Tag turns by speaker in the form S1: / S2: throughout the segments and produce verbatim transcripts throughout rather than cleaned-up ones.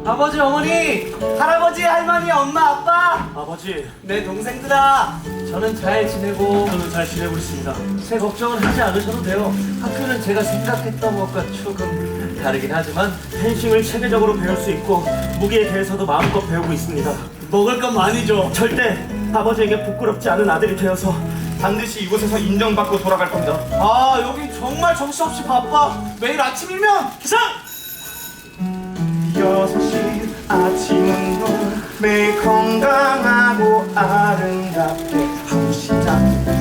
S1: 아버지, 어머니, 할아버지, 할머니, 엄마, 아빠,
S2: 아버지,
S1: 내 동생들아, 저는 잘 지내고
S2: 저는 잘 지내고 있습니다.
S1: 제 걱정은 하지 않으셔도 돼요. 학교는 제가 생각했던 것과 조금 다르긴 하지만
S2: 펜싱을 체계적으로 배울 수 있고 무기에 대해서도 마음껏 배우고 있습니다.
S1: 먹을 건 많이 줘.
S2: 절대 아버지에게 부끄럽지 않은 아들이 되어서 반드시 이곳에서 인정받고 돌아갈 겁니다.
S1: 아, 여긴 정말 정신없이 바빠. 매일 아침이면
S2: 기상! 여섯 시 아침 운동 매일 건강하고 아름답게 하루 시작.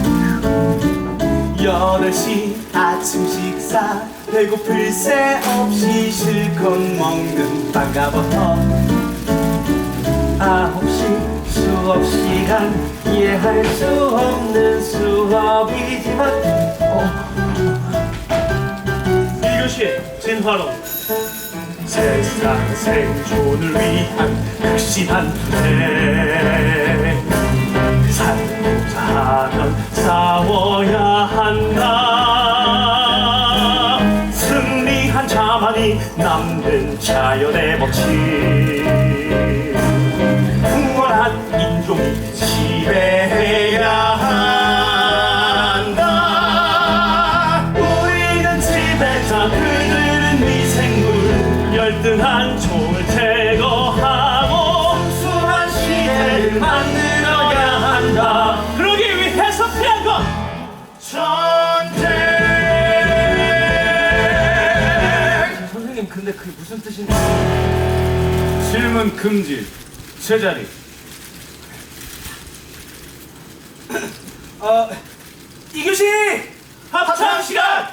S1: 여덟 시 아침 식사, 배고플 새 없이 실컷 먹는 빵가버터. 아홉 시 수업 시간, 이해할 수 없는 수업이지만 어.
S2: 일 교시 진화론. 세상 생존을 위한 극심한 투쟁. 살고자 하면 싸워야 한다. 승리한 자만이 남는 자연의 법칙. 풍월한 인종이 지배해야 한다. 우리는 지배자, 그들은 미생물. 열등한 총을 제거하고 순수한 시대를 만들어야 한다. 그러기 위해서 필요한 건 전쟁.
S1: 선생님, 근데 그게 무슨 뜻인지.
S2: 질문 금지. 제자리.
S1: 어, 이 교시
S2: 합창 시간.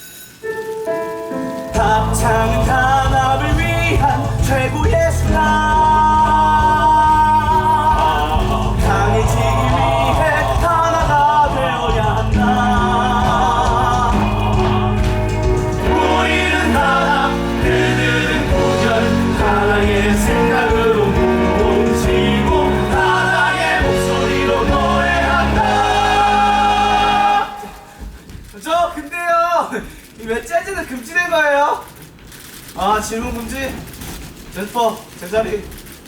S1: 합창은 단합을 위한 최고의 수단. 강해지기 위해 하나가 되어야 한다.
S2: 우리는 하나, 그들은 구절. 하나의 생각으로 몸치고 하나의 목소리로 노래한다.
S1: 저 근데요, 왜 재즈는 금지된 거예요? 아, 질문 금지. 제스퍼, 제자리.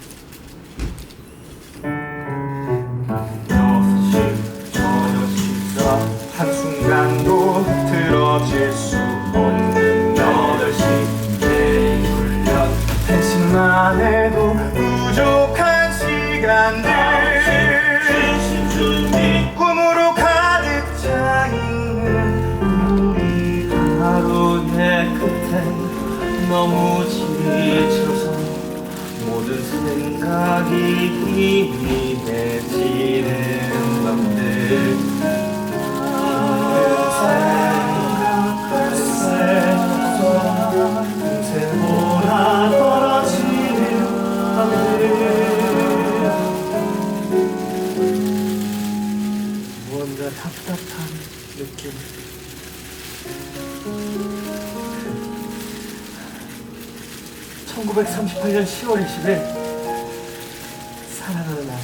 S2: 여섯 시 저녁 식사. 한순간도 틀어질 수 없는 여덟 시 개인 훈련. 펜싱만 해도 부족한 시간들. 진심 준비. 꿈으로 가득 차 있는 우리.
S1: 하루의 끝엔 너무 지쳐서 모든 생각이 희미해지는 밤들.
S2: 금세 몰아떨어지는 밤들.
S1: 무언가 답답한 느낌. 천구백삼십팔 년 시월 이십일, 사랑하는 나를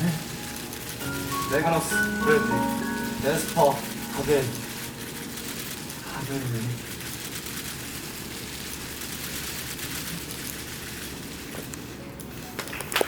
S1: 레가노스, 브래들리, 제스퍼, 하겐, 하겐